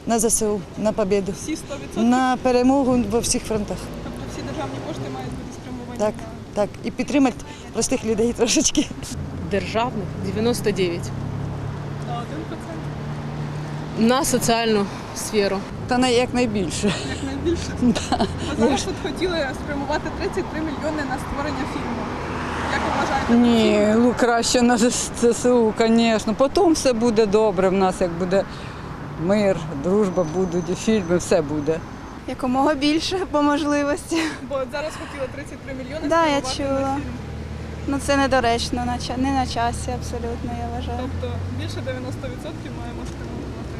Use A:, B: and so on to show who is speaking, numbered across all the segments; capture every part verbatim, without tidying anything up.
A: На ЗСУ, на побіду.
B: Всі сто відсотків?
A: На перемогу во всіх фронтах.
B: Тобто всі державні кошти мають бути спрямовані?
A: Так, так. І підтримати простих людей трошечки.
C: Державних дев'яносто дев'ять.
B: А один процент?
C: На соціальну сферу.
A: Та на якнайбільше.
B: Якнайбільше?
A: Да.
B: А зараз тут хотіли спрямувати тридцять три мільйони на створення фільму. Як ви вважаєте?
A: Ні, ну краще на ЗСУ, звісно. Потім все буде добре в нас, як буде мир, дружба будуть, фільми, все буде.
D: Якомога більше по можливості.
B: Бо от зараз хотіли тридцять три мільйони
D: Да, я
B: спрямувати
D: чула.
B: на фільм.
D: Ну це недоречно, на ча- не на часі абсолютно, я вважаю.
B: Тобто більше дев'яносто відсотків маємо спрямовувати.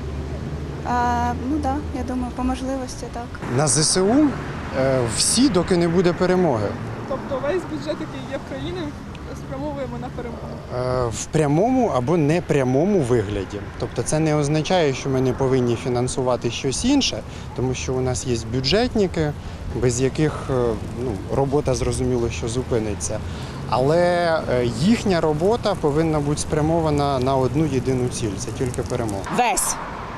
D: А, ну так, да, я думаю, по можливості так.
E: На ЗСУ е, всі, доки не буде перемоги.
B: Тобто весь бюджет, який є в країні, спрямовуємо на перемогу.
E: Е, В прямому або непрямому вигляді. Тобто це не означає, що ми не повинні фінансувати щось інше, тому що у нас є бюджетники, без яких е, ну, робота зрозуміло, що зупиниться. Але е, їхня робота повинна бути спрямована на одну єдину ціль – це тільки перемога.
F: Весь.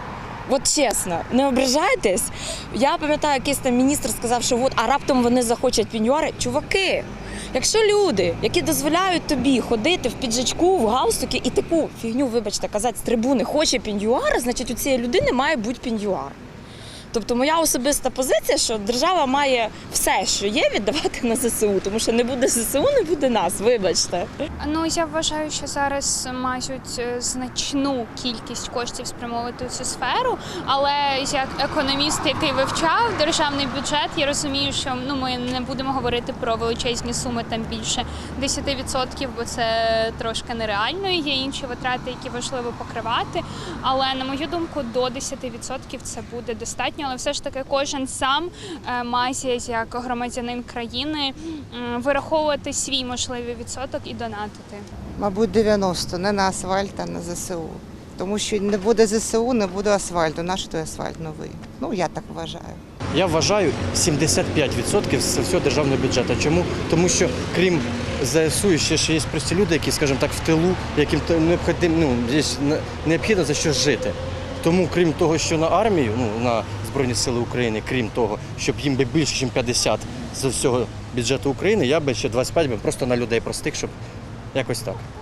F: От чесно, не ображайтесь. Я пам'ятаю, якийсь там міністр сказав, що от, а раптом вони захочуть пеньюари. Чуваки, якщо люди, які дозволяють тобі ходити в піджачку, в галстуки і таку фігню, вибачте, казати з трибуни, хоче пеньюар, значить у цієї людини має бути пеньюар. Тобто моя особиста позиція, що держава має все, що є, віддавати на ЗСУ, тому що не буде ЗСУ, не буде нас, вибачте.
G: Ну, я вважаю, що зараз мають значну кількість коштів спрямовувати в цю сферу, але як економіст, який вивчав державний бюджет, я розумію, що ну, ми не будемо говорити про величезні суми, там більше десять відсотків, бо це трошки нереально, є інші витрати, які важливо покривати, але, на мою думку, до десять відсотків це буде достатньо. Але все ж таки кожен сам має, як громадянин країни, вираховувати свій можливий відсоток і донатити.
H: Мабуть, дев'яносто, не на асфальт, а на ЗСУ. Тому що не буде ЗСУ, не буде асфальту. Наш той асфальт новий. Ну, я так вважаю.
I: Я вважаю сімдесят п'ять відсотків з всього державного бюджету. Чому? Тому що крім ЗСУ ще, ще є прості люди, які, скажімо так, в тилу, яким необхідно, ну, необхідно за що жити. Тому, крім того, що на армію, ну, на Збройні Сили України, крім того, щоб їм би більше, ніж п'ятдесят з всього бюджету України, я би ще двадцять п'ять би просто на людей простих, щоб якось так.